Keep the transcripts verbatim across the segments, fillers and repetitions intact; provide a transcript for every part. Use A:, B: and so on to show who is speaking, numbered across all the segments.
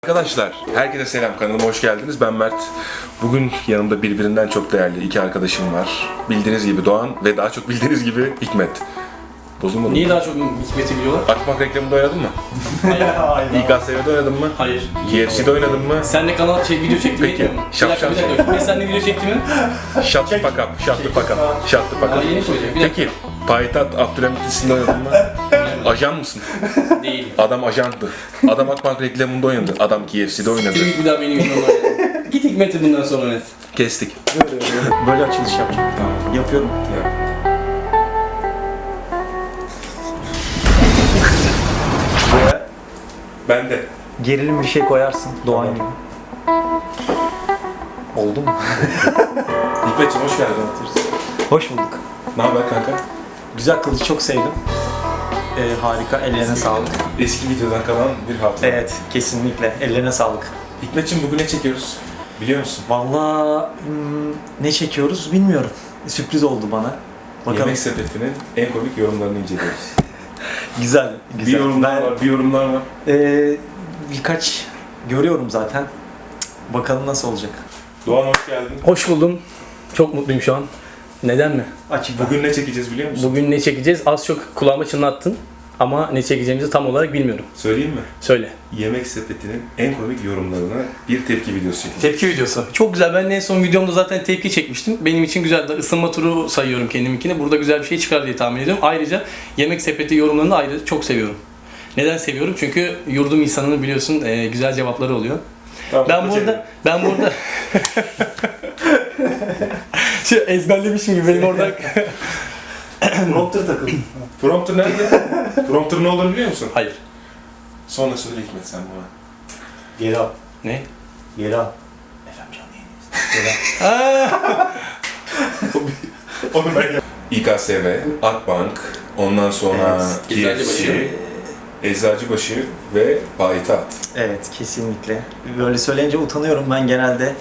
A: Arkadaşlar, herkese selam, kanalıma hoş geldiniz. Ben Mert. Bugün yanımda birbirinden çok değerli iki arkadaşım var. Bildiğiniz gibi Doğan ve daha çok bildiğiniz gibi Hikmet. Bozulmadı mı?
B: Niye daha çok Hikmet'i biliyorlar?
A: Akbank reklamında oynadın mı?
B: Hayır.
A: İ K S V'de oynadın mı?
B: Hayır.
A: K F C'de oynadın mı?
B: Sen de kanal şey, video çektin
A: Peki,
B: mi?
A: şap
B: Bir dakika,
A: şap.
B: bir dakika. Hikmet sen de video çekti mi?
A: Shut the fuck up, shut the fuck up, shut the fuck
B: Aa,
A: up.
B: yeni koyacak. Bir dakika.
A: Peki, Payitaht Abdülhamit dizisinde oynadın mı? Ajan mısın?
B: Değil.
A: Adam ajandı. Adam Akbank reklamında oynadı. Adam K F C'de oynadı.
B: Git bir daha benim videomda oyna. Git Hikmet'i bundan sonra net.
A: Kestik.
C: Böyle açılış yapacağım.
A: Tamam.
C: Yapıyorum.
A: Ya.
C: Buraya
A: Ben de.
C: gerilim bir şey koyarsın. Doğan gibi. Oldu mu?
A: Hikmetciğim hoş geldin.
C: Hoş bulduk.
A: Ne haber kanka?
C: Güzel kılıcı çok sevdim. Ee, harika. Ellerine sağlık.
A: Eski videodan kalan bir hatıra.
C: Evet, kesinlikle. Ellerine sağlık.
A: Hikmetciğim bugün ne çekiyoruz? Biliyor musun?
C: Vallahi hmm, ne çekiyoruz bilmiyorum. Sürpriz oldu bana. Bakalım.
A: Yemek Sepeti'nin en komik yorumlarını inceliyoruz.
C: Güzel,
A: Bir
C: güzel.
A: yorumlar
C: Ben,
A: var, bir yorumlar var.
C: ee, birkaç görüyorum zaten. Bakalım nasıl olacak.
A: Doğan hoş geldin.
B: Hoş buldum. Çok mutluyum şu an. Neden mi?
C: Açık.
A: Bugün ne çekeceğiz biliyor musun?
B: Bugün ne çekeceğiz? Az çok kulağıma çınlattın. Ama ne çekeceğimizi tam olarak bilmiyorum.
A: Söyleyeyim mi?
B: Söyle.
A: Yemek Sepeti'nin en komik yorumlarına bir tepki videosu çekeceğiz.
B: Tepki videosu. Çok güzel. Ben en son videomda zaten tepki çekmiştim. Benim için güzeldi. Isınma turu sayıyorum kendiminkini. Burada güzel bir şey çıkar diye tahmin ediyorum. Ayrıca Yemek Sepeti yorumlarını ayrıca çok seviyorum. Neden seviyorum? Çünkü yurdum insanının biliyorsun e, güzel cevapları oluyor.
A: Tamam,
B: Ben
A: bu
B: burada, ben burada şey ezberlemişim gibi benim orada.
C: Prompter takıldı.
A: Prompter nerede? Prompter ne olduğunu biliyor musun?
B: Hayır.
A: Sonra söyle Hikmet sen bana.
C: Geri al.
B: Ne?
C: Geri al. Efendim canlı yayındayız.
A: Onu ben İ K S V, Akbank, ondan sonra
B: Evet,
A: K F C, Eczacıbaşı ve Payitaht.
C: Evet, kesinlikle. Böyle söyleyince utanıyorum ben genelde.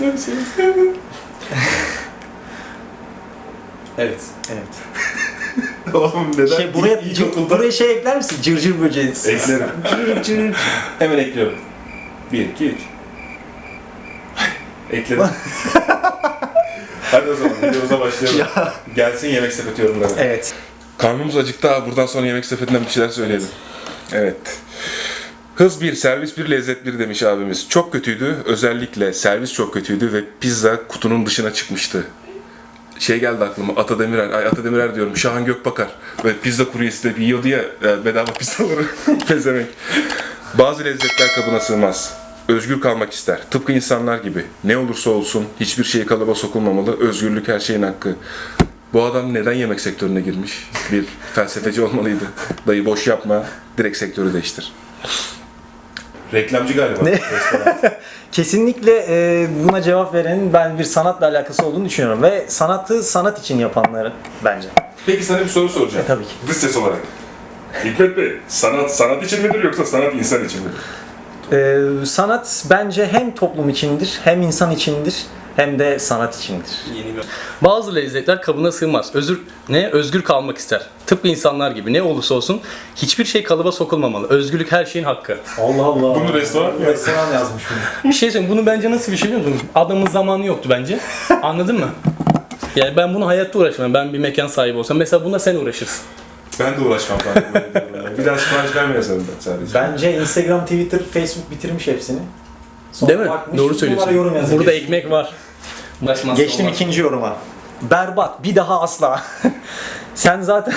B: Evet.
C: Evet.
A: Oğlum neden?
C: Şey, buraya,
A: İlk-
C: cır-
A: ilkokulda-
C: buraya şey ekler misin? Cırcır böceği.
A: Eklerim.
C: Cır cır.
A: Hemen ekliyorum. Bir, iki, üç. Ekledim. Hadi o zaman videomuza başlayalım. Gelsin Yemek Sepeti yorumları.
C: Evet.
A: Karnımız acıktı abi. Buradan sonra Yemek Sepeti'nden bir şeyler söyleyelim. Evet. Hız bir, servis bir, lezzet bir demiş abimiz. Çok kötüydü. Özellikle servis çok kötüydü ve pizza kutunun dışına çıkmıştı. Şey geldi aklıma, Ata Demirer, ay Ata Demirer diyorum, Şahan Gökbakar. Ve pizza kuryesi de yiyordu ya, e, bedava pizzaları, pezemek. Bazı lezzetler kabına sığmaz. Özgür kalmak ister. Tıpkı insanlar gibi. Ne olursa olsun hiçbir şey kalıba sokulmamalı. Özgürlük her şeyin hakkı. Bu adam neden yemek sektörüne girmiş? Bir felsefeci olmalıydı. Dayı boş yapma, direkt sektörü değiştir. Reklamcı galiba.
C: Ne?
A: Restoran.
C: Kesinlikle e, buna cevap verenin ben bir sanatla alakası olduğunu düşünüyorum. Ve sanatı sanat için yapanları bence.
A: Peki sana bir soru soracağım.
C: E, tabii ki.
A: Dış ses olarak. Hikmet Bey, sanat sanat için midir yoksa sanat insan için midir?
C: E, sanat bence hem toplum içindir, hem insan içindir, hem de sanat içindir.
B: Yeni bir... Bazı lezzetler kabına sığmaz. Özür ne? Özgür kalmak ister. Tıpkı insanlar gibi. Ne olursa olsun hiçbir şey kalıba sokulmamalı. Özgürlük her şeyin hakkı.
C: Allah Allah.
A: Bunu restoran mı?
C: Restoran yazmış bunu.
B: Bir şey söyleyeyim. Bunu bence nasıl bir şey biliyor musun? Adamın zamanı yoktu bence. Anladın mı? Yani ben bunu hayatta uğraşmam. Ben bir mekan sahibi olsam. Mesela buna sen uğraşırsın.
A: Ben de uğraşmam farkında. Bir daha sipariş vermiyorsam ben sadece.
C: Bence Instagram, Twitter, Facebook bitirmiş hepsini. Sonra
B: Değil mi?
C: bakmış,
B: Doğru
C: bunlara
B: söylüyorsun.
C: yorum yazıyor.
B: Burada ekmek var. Uğraşmazsa
C: Geçtim
B: olmaz.
C: ikinci yoruma. Berbat, bir daha asla. Sen zaten...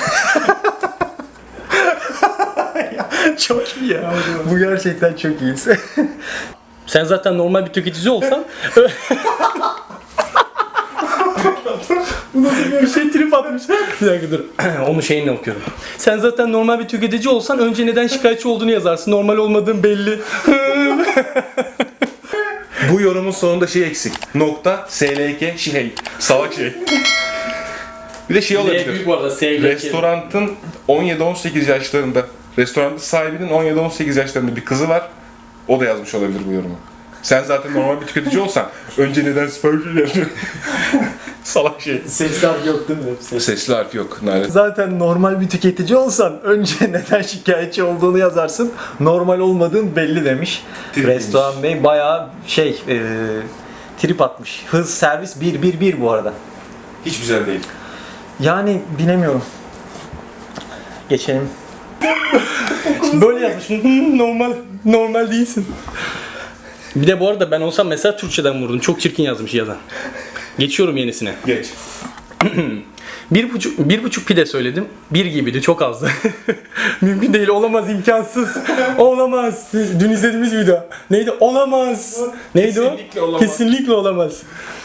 C: Çok iyi ya. Bu gerçekten çok iyi.
B: Sen zaten normal bir tüketici olsan bu nasıl bir şey trip atmış. Bir dakika dur. Onu şeyinle okuyorum. Sen zaten normal bir tüketici olsan önce neden şikayetçi olduğunu yazarsın. Normal olmadığın belli.
A: Bu yorumun sonunda şey eksik. Nokta, S L K, şey. Salak şey. Bir de şey olabilir.
B: Büyük bu arada sevgi.
A: Restorantın on yedi on sekiz yaşlarında, restoranın sahibinin on yedi on sekiz yaşlarında bir kızı var. O da yazmış olabilir bu yorumu. Sen zaten normal bir tüketici olsan önce neden sipariş veriyorsun? Salak şey.
C: Sesli harf yok değil mi? Ses.
A: Sesli harf yok. Nalet.
C: Zaten normal bir tüketici olsan önce neden şikayetçi olduğunu yazarsın. Normal olmadığın belli demiş.
A: Tripmiş.
C: Restoran Bey bayağı şey e, trip atmış. Hız servis bir bir bir bu arada.
A: Hiç güzel değil.
C: Yani bilemiyorum. Geçelim.
B: Böyle yazmış. "Hmm, normal normal değilsin. Bir de bu arada ben olsam mesela Türkçeden vurdum. Çok çirkin yazmış yazan. Geçiyorum yenisine.
A: Geç.
B: Bir buçuk, bir buçuk pide söyledim. Bir gibiydi, çok azdı. Mümkün değil, olamaz, imkansız. Olamaz. Dün izlediğimiz video. Neydi? Olamaz. Neydi
A: Kesinlikle
B: o?
A: olamaz.
B: Kesinlikle olamaz.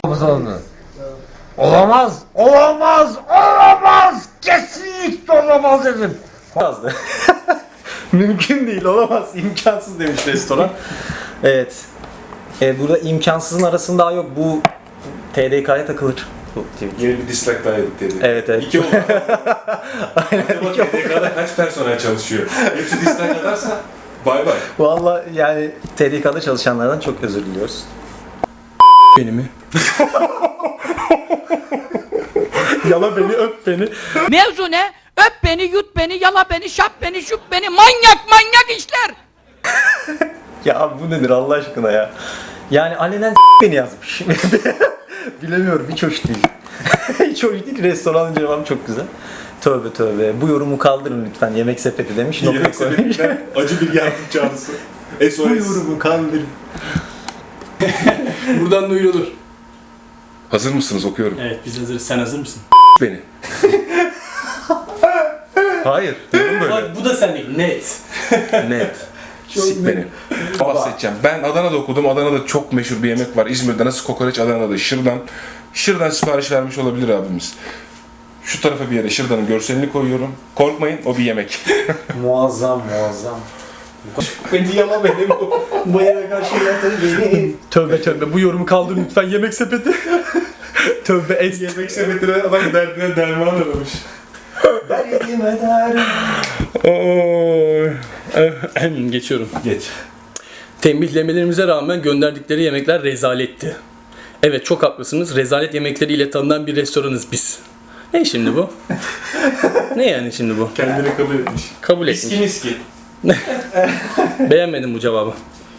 D: Olamaz, olamaz, olamaz, kesinlikle olamaz dedim.
C: Yazdı. Mümkün değil, olamaz, imkansız demiş restoran. Evet. E, burada imkansızın arasında daha yok. Bu T D K'ya takılır. Bu tweet.
A: Yeni bir dislike daha yedik dedi.
C: Evet evet.
A: İki oldu. Acaba T D K'da kaç personel çalışıyor? Hepsi dislike atarsa bay bay.
C: Vallahi yani T D K'da çalışanlardan çok özür diliyoruz.
B: Beni mi?
C: Yala beni, öp beni.
E: Mevzu ne? Öp beni, yut beni, yala beni, şap beni, şup beni. Manyak manyak işler.
C: Ya bu nedir Allah aşkına ya? Yani alenen beni yazmış. Bilemiyorum, hiç hoş değil. Hiç hoş değil. Restoranın cevabı çok güzel. Tövbe tövbe. Bu yorumu kaldırın lütfen. Yemek sepeti demiş.
A: Yemek
C: Nokta koymuş.
A: sepetinden acı bir yardım çağrısı. S O S.
C: Bu yorumu kaldırın.
B: Buradan duyurulur.
A: Hazır mısınız? Okuyorum.
B: Evet, biz hazırız. Sen hazır mısın?
A: Beni.
C: Hayır.
A: Yorum böyle.
B: Bak bu da sendeki. Net.
A: Net. Sik beni. Bahsedeceğim. Ben Adana'da okudum. Adana'da çok meşhur bir yemek var. İzmir'de nasıl kokoreç, Adana'da şırdan. Şırdan sipariş vermiş olabilir abimiz. Şu tarafa bir yere şırdanın görselini koyuyorum. Korkmayın, o bir yemek.
C: Muazzam muazzam. Beni yala beni. Bu eve karşı yatır beni.
B: Tövbe tövbe, bu yorumu kaldır lütfen, yemek sepeti. Tövbe est.
A: Yemek sepetine adam derdine derman aramış.
C: Derdime derdim.
B: Oy. Geçiyorum.
A: Geç.
B: Tembihlemelerimize rağmen gönderdikleri yemekler rezaletti. Evet, çok haklısınız. Rezalet yemekleriyle tanınan bir restoranız biz. Ne şimdi bu? Ne yani şimdi bu?
A: Kendini kabul etmiş.
B: Kabul etmiş.
A: Miski miski.
B: Beğenmedim bu cevabı.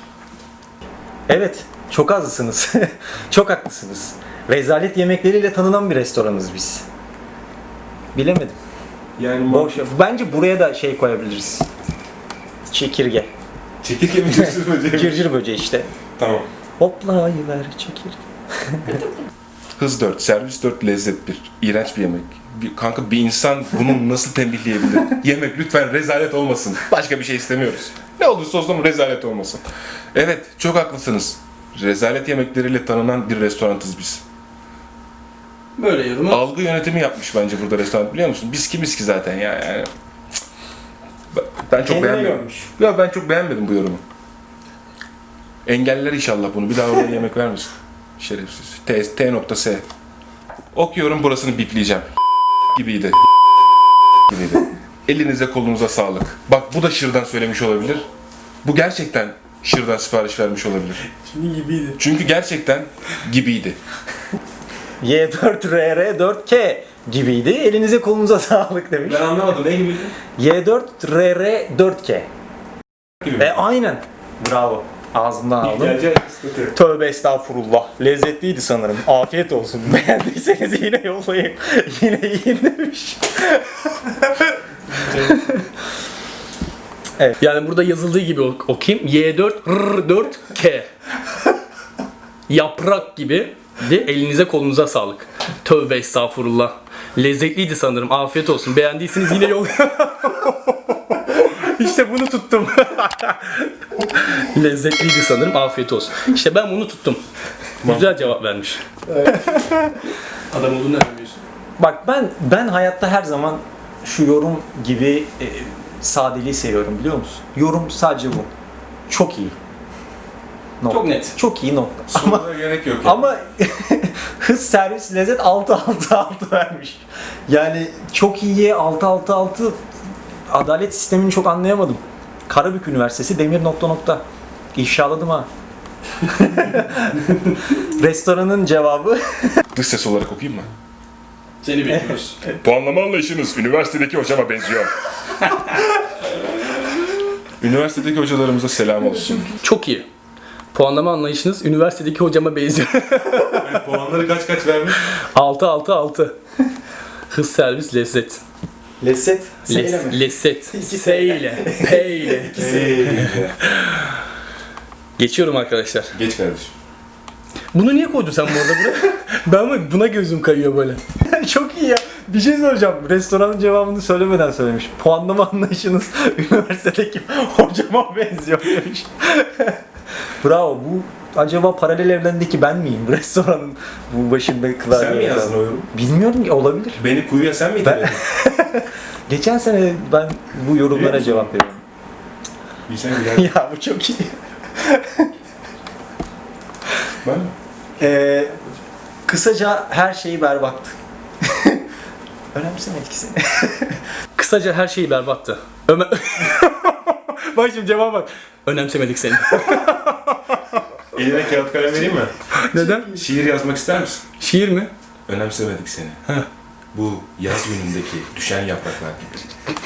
C: Evet, çok azsınız. Çok haklısınız. Rezalet yemekleriyle tanınan bir restoranız biz. Bilemedim.
A: Yani
C: Boş. Bence buraya da şey koyabiliriz. Çekirge.
A: çekirge mi cırcır böceği mi?
C: Cırcır böceği işte.
A: Tamam.
C: Hoplayıver çekirge.
A: Hız dört, servis dört, lezzet bir. İğrenç bir yemek. Bir, kanka bir insan bunu nasıl tembihleyebilir? Yemek lütfen rezalet olmasın. Başka bir şey istemiyoruz. Ne olursa olsun rezalet olmasın. Evet, çok haklısınız. Rezalet yemekleriyle tanınan bir restoranız biz.
B: Böyle yorumu.
A: Algı yönetimi yapmış bence burada restoran, biliyor musun? Biz kimiz ki zaten ya yani. Cık. Ben- Ben çok
C: Kendine
A: beğenmedim.
C: görmüş.
A: Ya ben çok beğenmedim bu yorumu. Engeller inşallah bunu. Bir daha oraya yemek vermesin. Şerefsiz. T, T nokta S. Okuyorum, burasını bipleyeceğim. Gibiydi. Gibiydi. Elinize kolunuza sağlık. Bak bu da şırdan söylemiş olabilir. Bu gerçekten şırdan sipariş vermiş olabilir.
B: Şimdi gibiydi.
A: Çünkü gerçekten gibiydi.
C: Y dört R R dört K gibiydi. Elinize kolunuza sağlık demiş.
A: anlamadım. Ne gibiydi?
C: Y dört R R dört K.
A: Gibi.
C: E aynen. Bravo. Ağzımdan aldım.
A: Gelecek sıkıntı.
C: Tövbe estağfurullah. Lezzetliydi sanırım. Afiyet olsun. Beğendiyseniz yine yollayın. Yine yiyin demiş.
B: Yani burada yazıldığı gibi ok- okuyayım. Y dört R dört K. Yaprak gibi. De elinize kolunuza sağlık. Tövbe estağfurullah. Lezzetliydi sanırım. Afiyet olsun. Beğendiyseniz yine yol. İşte bunu tuttum. Lezzetliydi sanırım. Afiyet olsun. İşte ben bunu tuttum. Güzel cevap vermiş. Adam olduğunu nereden biliyorsun?
C: Bak ben ben hayatta her zaman şu yorum gibi e, sadeliği seviyorum biliyor musun? Yorum sadece bu. Çok iyi. Nokta.
B: Çok net.
C: Çok iyi nokta. Ama
A: Ama gerek yok. Yani.
C: ama hız servis lezzet altı altı altı vermiş. Yani çok iyiye altı altı altı adalet sistemini çok anlayamadım. Karabük Üniversitesi demir nokta nokta. İfşaladım ha. Restoranın cevabı
A: Dış ses olarak okuyayım mı?
B: Seni bekliyoruz.
A: Puanlama anlayışınız üniversitedeki hocama benziyor. Üniversitedeki hocalarımıza selam olsun.
B: Çok iyi. Puanlama anlayışınız üniversitedeki hocama benziyor.
A: Puanları kaç kaç vermiş?
B: altı altı altı. Hız servis lezzet.
C: lezzet.
B: Les, lezzet. S ile. P ile. Geçiyorum arkadaşlar.
A: Geç kardeşim.
B: Bunu niye koydun sen bu arada buraya? Ben mi? Buna gözüm kayıyor böyle.
C: Çok iyi ya. Bir şey soracağım. Restoranın cevabını söylemeden söylemiş. Puanlama anlayışınız üniversitedeki hocama benziyor demiş. Bravo. Bu acaba paralel evrendeki ben miyim? Restoranın bu başında klavye.
A: Sen mi yazdın o yorumu?
C: Bilmiyorum ki, olabilir.
A: Beni kuyuya sen mi iteledin?
C: Geçen sene ben bu yorumlara
A: Biliyor musun?
C: cevap veriyorum.
A: Bilsen güzel.
C: Ya bu çok iyi.
A: Ben mi?
C: Ee, kısaca her şeyi berbattı. Önemsemedik seni.
B: Kısaca her şeyi berbattı. Ömer... Bak şimdi cevap bak. Önemsemedik seni.
A: Eline kağıt kalem vereyim mi?
B: Neden?
A: Şiir yazmak ister misin?
B: Şiir mi?
A: Önemsemedik seni. Bu yaz günündeki düşen yapraklar gibi.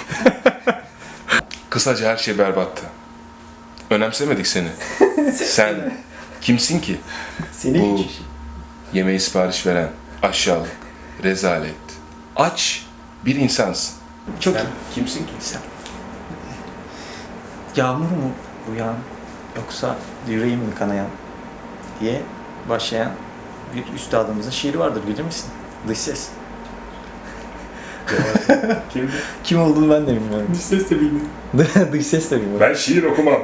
A: Kısaca her şey berbattı. Önemsemedik seni. Sen kimsin ki?
C: Seni
A: Bu
C: hiç.
A: yemeği sipariş veren aşağılık, rezalet, aç bir insansın.
C: Çok
A: Sen
C: iyi.
A: kimsin ki? Sen.
C: Yağmur mu bu yağan yoksa yüreğim mi kanayan diye başlayan bir üstadımızın şiiri vardır, bilir misin? Dış ses.
A: Kimdi?
C: Kim olduğunu ben de bilmiyorum.
B: Dış ses de bilmiyorum.
C: Dış ses de bilmiyorum.
A: Ben şiir okumam.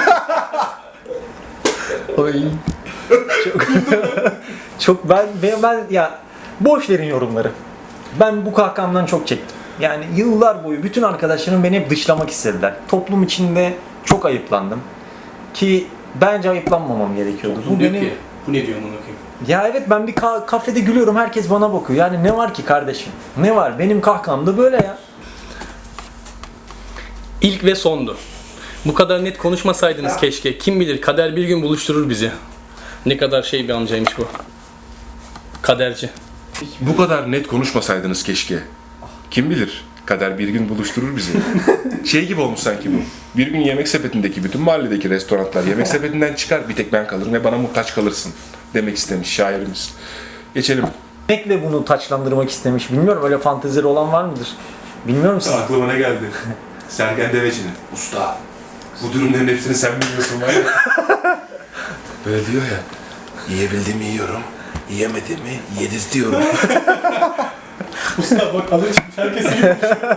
C: Oy. Çok, çok ben, ben, ben ya boş verin yorumları. Ben bu kahkahamdan çok çektim. Yani yıllar boyu bütün arkadaşlarım beni hep dışlamak istediler. Toplum içinde çok ayıplandım. Ki bence ayıplanmamam gerekiyordu. Bu
B: diyor
C: benim...
B: ki, bu ne diyor bunu okuyayım?
C: Ya evet, ben bir ka- kafede gülüyorum, herkes bana bakıyor. Yani ne var ki kardeşim? Ne var? Benim kahkaham da böyle ya.
B: İlk ve sondu. Bu kadar net konuşmasaydınız keşke. Kim bilir, kader bir gün buluşturur bizi. Ne kadar şey bir amcaymış bu. Kaderci.
A: Bu kadar net konuşmasaydınız keşke. Kim bilir? Kader bir gün buluşturur bizi. Şey gibi olmuş sanki bu. Bir gün Yemek Sepeti'ndeki bütün mahalledeki restoranlar Yemek Sepeti'nden çıkar, bir tek ben kalırım ve bana muhtaç kalırsın demek istemiş şairimiz. Geçelim.
C: Yemekle bunu taçlandırmak istemiş. Bilmiyorum, öyle fantezileri olan var mıdır? Bilmiyorum siz.
A: Aklıma ne geldi? Sergen Deveci'nin. Usta, bu durumların hepsini sen biliyorsun var ya. Böyle diyor ya. Yiyebildiğimi yiyorum, yiyemediğimi yedirtiyorum.
B: Usta bak alın çıkmış, herkes yiyor.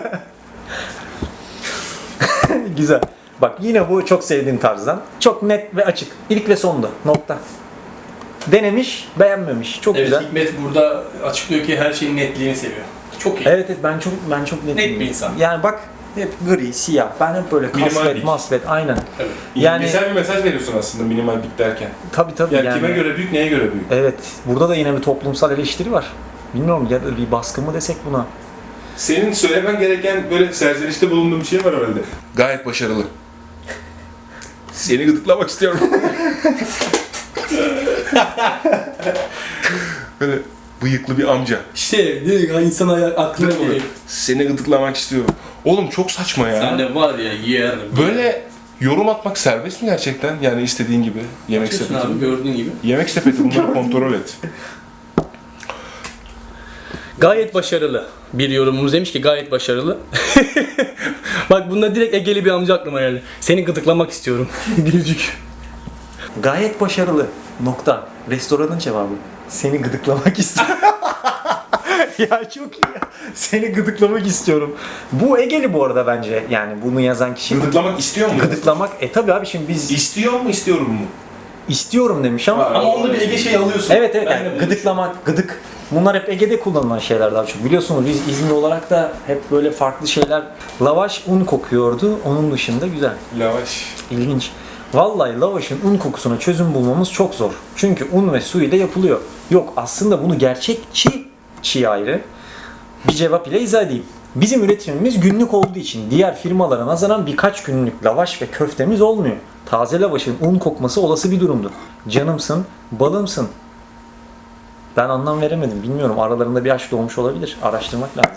C: Güzel. Bak yine bu çok sevdiğim tarzdan. Çok net ve açık. İlk ve sonda. Nokta. Denemiş, beğenmemiş. Çok
B: Evet,
C: güzel.
B: Hikmet burada açıklıyor ki her şeyin netliğini seviyor. Çok iyi.
C: Evet evet, ben çok ben çok netim.
B: Net bir insan.
C: Yani bak hep gri, siyah. Ben hep böyle
A: Minimal
C: kasvet,
A: bil.
C: masvet, aynen.
B: Evet.
C: Yani-
A: Güzel bir mesaj veriyorsun aslında minimal bit derken.
C: Tabii tabii
A: Yani,
C: yani.
A: kime göre büyük, neye göre büyük?
C: Evet. Burada da yine bir toplumsal eleştiri var. Bilmiyorum ya da bir baskı mı desek buna.
A: Senin söylemen gereken böyle serzenişte bulunduğun bir şey var herhalde. Gayet başarılı. Seni gıdıklamak istiyorum. Böyle bıyıklı bir amca.
B: İşte direkt insan aklına geliyor.
A: Seni gıdıklamak istiyorum. Oğlum çok saçma ya.
B: Sen de var ya yer.
A: Böyle yorum atmak serbest mi gerçekten? Yani istediğin gibi. Yemek
B: Yapıyorsun
A: sepeti.
B: abi gördüğün gibi.
A: Yemek sepeti, bunları kontrol et.
B: Gayet başarılı. Bir yorumumuz demiş ki gayet başarılı. Bak bunda direkt Egeli bir amca aklıma geldi. Seni gıdıklamak istiyorum. Gülücük.
C: Gayet başarılı. Nokta. Restoranın cevabı. Seni gıdıklamak istiyorum. Ya çok iyi ya. Seni gıdıklamak istiyorum. Bu Egeli bu arada bence. Yani bunu yazan kişi.
A: Gıdıklamak istiyor mu?
C: Gıdıklamak. E tabi abi, şimdi biz
A: İstiyor mu, istiyorum mu?
C: istiyorum demiş ama.
B: Ama onda bir Ege şey alıyorsun.
C: Evet evet,
B: Ben
C: yani
B: de bunu
C: gıdıklamak, gıdık. Bunlar hep Ege'de kullanılan şeyler daha çok. Biliyorsunuz biz İzmir olarak da hep böyle farklı şeyler. Lavaş un kokuyordu. Onun dışında güzel.
A: Lavaş.
C: İlginç. Vallahi lavaşın un kokusuna çözüm bulmamız çok zor. Çünkü un ve su ile yapılıyor. Yok, aslında bunu gerçekçi çiğ ayrı bir cevap ile izah edeyim. Bizim üretimimiz günlük olduğu için diğer firmalara nazaran birkaç günlük lavaş ve köftemiz olmuyor. Taze lavaşın un kokması olası bir durumdur. Canımsın, balımsın. Ben anlam veremedim. Bilmiyorum. Aralarında bir aşk doğmuş olabilir. Araştırmak lazım.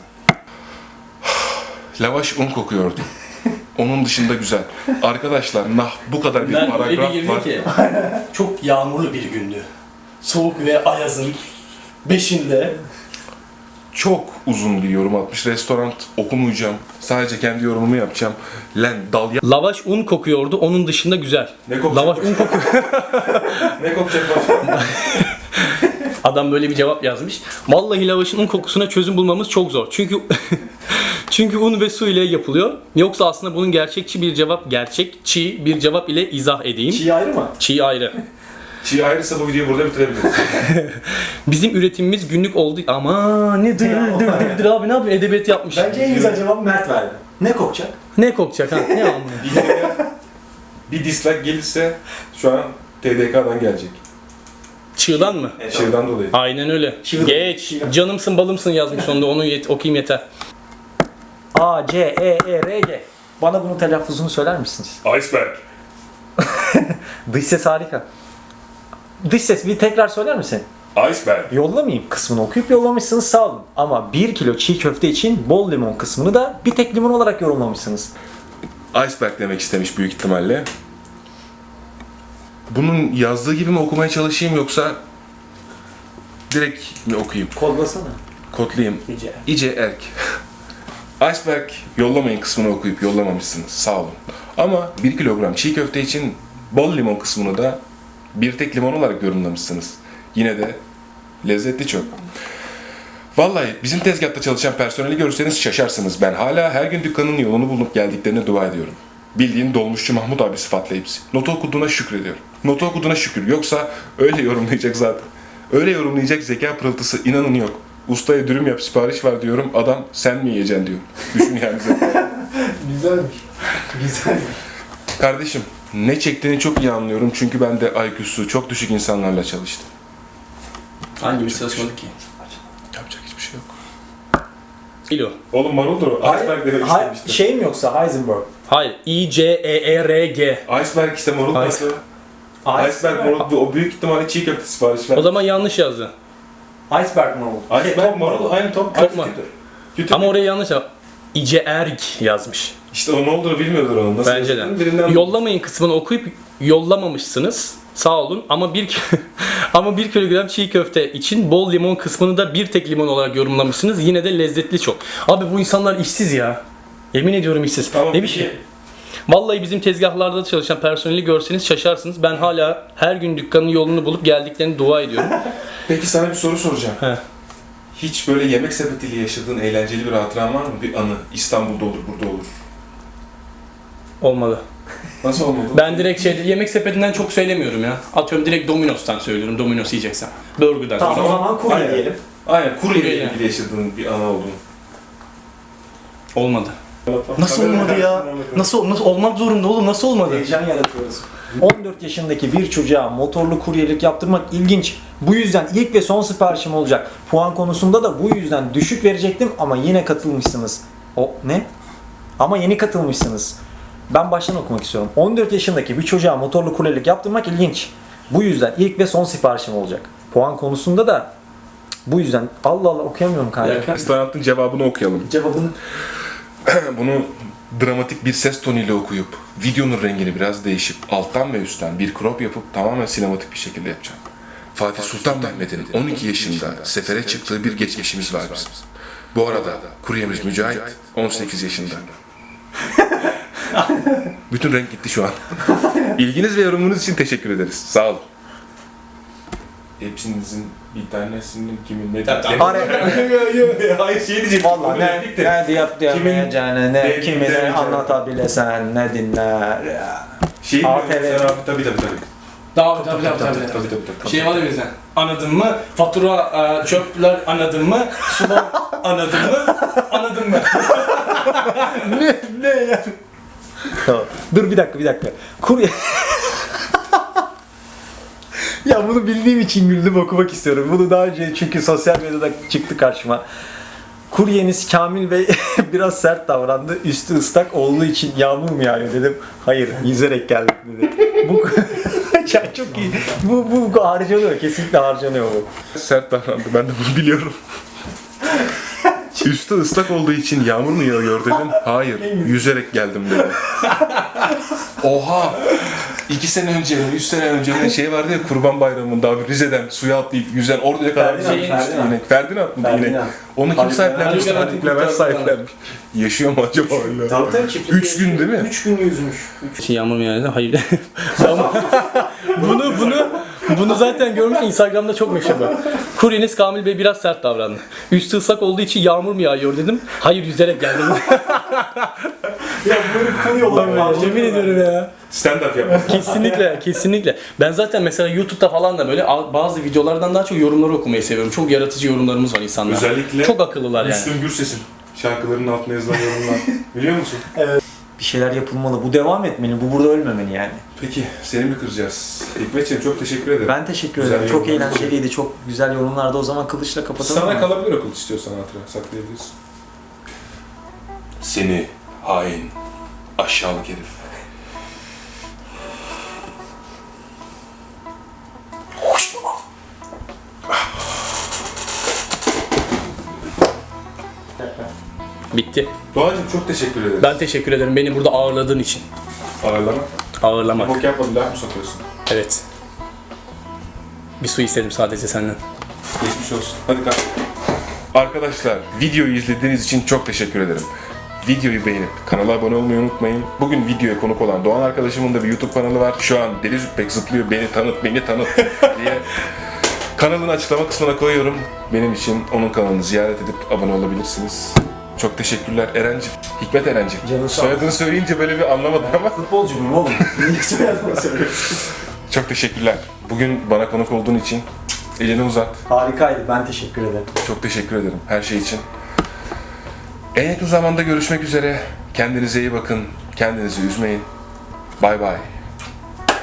A: Lavaş un kokuyordu. Onun dışında güzel. Arkadaşlar nah bu kadar bir
B: Ben öyle bir
A: paragraf
B: girdim
A: var.
B: ki çok yağmurlu bir gündü. Soğuk ve ayazın beşinde
A: Çok uzun bir yorum atmış. Restoran okumayacağım. Sadece kendi yorumumu yapacağım. Lan dal ya...
B: lavaş un kokuyordu. Onun dışında güzel.
A: Ne kokacak
B: Lavaş un kokuyor.
A: Ne kokacak başka?
B: Adam böyle bir cevap yazmış. Vallahi lavaşın un kokusuna çözüm bulmamız çok zor. Çünkü çünkü un ve su ile yapılıyor. Yoksa aslında bunun gerçekçi bir cevap, gerçekçi bir cevap ile izah edeyim.
C: Çiğ ayrı mı?
B: Çiğ ayrı.
A: Çiğ ayrıysa bu videoyu burada bitirebiliriz.
B: Bizim üretimimiz günlük oldu. Ama ne dır dır dır dır abi ne yapıyor? Edebiyat yapmış.
C: Bence en güzel cevap Mert verdi. Ne kokacak?
B: Ne kokacak ha? Ne anlıyor?
A: Videoya bir dislike gelirse şu an T D K'dan gelecek.
B: Çığdan mı?
A: Şeyden dolayı.
B: Aynen öyle.
C: Çığ.
B: Geç.
C: Çığ.
B: Canımsın balımsın yazmış sonunda. Onu yet- okuyayım yeter.
C: A, C, E, E, R, G. Bana bunun telaffuzunu söyler misiniz?
A: Iceberg.
C: Dış ses harika. Dış ses bir tekrar söyler misin?
A: Iceberg.
C: Yollamayayım kısmını okuyup yollamışsınız sağ olun. Ama bir kilo çiğ köfte için bol limon kısmını da bir tek limon olarak yorumlamışsınız.
A: Iceberg demek istemiş büyük ihtimalle. Bunun yazdığı gibi mi okumaya çalışayım yoksa direkt mi okuyayım?
C: Kodlasana.
A: Kodlayayım.
C: İyice.
A: İyice erk. Iceberg yollamayın kısmını okuyup yollamamışsınız. Sağ olun. Ama bir kilogram çiğ köfte için bol limon kısmını da bir tek limon olarak yorumlamışsınız. Yine de lezzetli çok. Vallahi bizim tezgahta çalışan personeli görürseniz şaşarsınız. Ben hala her gün dükkanın yolunu bulup geldiklerine dua ediyorum. Bildiğin dolmuşçu Mahmut abi sıfatla hepsi. Notu okuduğuna şükrediyorum. Notu okuduğuna şükür. Yoksa öyle yorumlayacak zaten. Öyle yorumlayacak zeka pırıltısı inanın yok. Ustaya dürüm yap sipariş var diyorum. Adam sen mi yiyeceksin diyor. Düşün yani zeka.
C: Güzelmiş. Güzelmiş.
A: Kardeşim ne çektiğini çok iyi anlıyorum. Çünkü ben de I Q'su çok düşük insanlarla çalıştım.
B: Hangimiz çalışmadık ki?
A: Yapacak hiçbir şey yok.
B: Kilo.
A: Oğlum maruldur o. Iceberg demek
C: Hay-
A: istemiştim.
C: şey mi yoksa Heisenberg?
B: Hayır. I, C, E, E, R, G.
A: Iceberg işte marul
B: Ice-
A: nasıl? Iceberg marul bu- o büyük ihtimalle çiğ köfte sipariş ver.
B: O zaman yanlış yazdı.
C: Iceberg mı oldu?
A: Iceberg marul aynı top.
B: Top
A: aynı
B: mu?
A: kütür. Kütür.
B: Ama oraya yanlış yazdı. İce Erg yazmış.
A: İşte o ne olduğunu bilmiyordur onun. Nasıl
B: Bence de.
A: yazdığını birinden-
B: Yollamayın kısmını okuyup yollamamışsınız. Sağ olun ama bir ama bir kilogram çiğ köfte için bol limon kısmını da bir tek limon olarak yorumlamışsınız. Yine de lezzetli çok. Abi bu insanlar işsiz ya. Yemin ediyorum işsiz.
A: Tamam,
B: ne bir
A: peki.
B: şey. Vallahi bizim tezgahlarda çalışan personeli görseniz şaşarsınız. Ben hala her gün dükkanın yolunu bulup geldiklerini dua ediyorum.
A: Peki sana bir soru soracağım.
B: He.
A: Hiç böyle yemek sepetiyle yaşadığın eğlenceli bir hatıran var mı? Bir anı. İstanbul'da olur, burada olur.
B: Olmadı.
A: Nasıl olmadı?
B: Ben direkt şey yemek sepetinden çok söylemiyorum ya. Atıyorum direkt Domino's'tan söylüyorum. Domino's yiyeceksem. Burger'dan
C: Tamam o
B: sonra.
C: zaman kurye
A: Aynen.
C: diyelim.
A: Aynen, kuryeyle
B: Kuryeyle.
A: ilgili yaşadığın bir anı oldu.
B: Olmadı. Nasıl olmadı ya? Nasıl nasıl olmak zorunda oğlum? Nasıl olmadı?
C: Heyecan yaratıyoruz. on dört yaşındaki bir çocuğa motorlu kuryelik yaptırmak ilginç. Bu yüzden ilk ve son siparişim olacak. Puan konusunda da bu yüzden düşük verecektim ama yine katılmışsınız. O ne? Ama yeni katılmışsınız. Ben baştan okumak istiyorum. on dört yaşındaki bir çocuğa motorlu kuryelik yaptırmak ilginç. Bu yüzden ilk ve son siparişim olacak. Puan konusunda da bu yüzden Allah Allah okuyamıyorum kanka.
A: Restoranın cevabını okuyalım.
C: Cevabını
A: Bunu dramatik bir ses tonuyla okuyup videonun rengini biraz değişip alttan ve üstten bir crop yapıp tamamen sinematik bir şekilde yapacağım. Fatih Sultan Mehmet'in on iki yaşında sefere çıktığı bir geçmişimiz var bizim. Bu arada kuryemiz Mücahit on sekiz yaşında. Bütün renk gitti şu an. İlginiz ve yorumunuz için teşekkür ederiz. Sağ olun. Hepsinizin bir tanesinin kimin ne Hayır şey diyecektim.
C: Vallahi ne, ne diyip diyemeyeceğini, ne
A: ne-
C: kimine
A: demeyeceğini.
C: anlatabilesen, ne dinler ya.
A: Şey
C: A T V.
A: tabii tabii tabii.
B: Tabii tabii tabii tabii.
A: Tabii tabii tabii.
B: Şey var ya bizden. Anladın mı? Fatura, e, çöpler anladın mı? Sular anladın mı? Anladın mı?
C: ne, ne ya? Tamam. Dur bir dakika bir dakika. Kurye... ya bunu bildiğim için güldüm okumak istiyorum. Bunu daha önce çünkü sosyal medyada çıktı karşıma. Kuryeniz Kamil Bey biraz sert davrandı. Üstü ıslak olduğu için yağmur mu yağıyor dedim. Hayır, yüzerek geldik dedi. Bu ya çok iyi. Bu, bu, bu harcanıyor. Kesinlikle harcanıyor bu.
A: Sert davrandı. Ben de bunu biliyorum. Üstü ıslak olduğu için yağmur mu yağıyor dedim. Hayır, yüzerek geldim dedi. Oha! İki sene önce, üç sene önce şey vardı ya Kurban Bayramı'nda abi Rize'den suya atlayıp yüzen oraya kadar
C: Ferdinand,
A: şey
C: Ferdinand.
A: yine. Ferdinand mı yine?
C: Ferdinand.
A: Onu kim
C: Haluk
A: sahiplenmiş?
B: Levent.
A: Haluk Levent sahiplenmiş. Yaşıyor mu acaba öyle?
C: Tabii tabii çiftlik.
A: Üç gün değil mi?
C: Üç gün yüzmüş.
B: Şey, yağmur mu yağdı? Hayır. Ama bunu bunu bunu zaten görmüş, Instagram'da çok meşhur bu. Kuryeniz Kamil Bey biraz sert davrandı. Üstü ıslak olduğu için yağmur mu yağıyor dedim. Hayır, yüzerek geldim.
C: Ya böyle bir konu yollamayın.
B: Yemin ediyorum ya.
A: Stand-up yapmak.
B: Kesinlikle, kesinlikle. Ben zaten mesela YouTube'da falan da böyle a- bazı videolardan daha çok yorumları okumayı seviyorum. Çok yaratıcı yorumlarımız var insanlar.
A: Özellikle
B: çok akıllılar yani.
A: Müslüm Gürses'in şarkılarının altına yazılan yorumlar. Biliyor musun?
C: Bir şeyler yapılmalı. Bu devam etmeli. Bu burada ölmemeli yani.
A: Peki seni mi kıracağız? Hikmetciğim çok teşekkür ederim.
C: Ben teşekkür
A: Güzel
C: ederim. Çok
A: yorumlar.
C: eğlenceliydi. Çok güzel yorumlardı. O zaman kılıçla kapatalım.
A: Sana
C: mı?
A: kalabilir okul istiyorsan hatıra saklayabilirsin. Seni hain, aşağılık herif.
B: Bitti.
A: Doğacığım çok teşekkür ederim.
B: Ben teşekkür ederim beni burada ağırladığın için.
A: Ağırlama.
B: Ağırlamak.
A: Bok yapmadın, laf mı sokuyorsun?
B: Evet. Bir su istedim sadece senden.
A: Geçmiş olsun. Hadi kalk. Arkadaşlar, videoyu izlediğiniz için çok teşekkür ederim. Videoyu beğenip kanala abone olmayı unutmayın. Bugün videoya konuk olan Doğan arkadaşımın da bir YouTube kanalı var. Şu an Deli Züppek zıplıyor, beni tanıt, beni tanıt diye. Kanalın açıklama kısmına koyuyorum. Benim için onun kanalını ziyaret edip abone olabilirsiniz. Çok teşekkürler Eren'cim. Hikmet Eren'cim.
C: Canın sağ
A: Soyadını söyleyince böyle bir anlamadım ama.
C: Futbolcu muyum oğlum? Niye soyadımı söylüyorsun?
A: Çok teşekkürler. Bugün bana konuk olduğun için elini uzat.
C: Harikaydı. Ben teşekkür ederim.
A: Çok teşekkür ederim her şey için. En yakın zamanda görüşmek üzere. Kendinize iyi bakın. Kendinizi üzmeyin. Bay bay.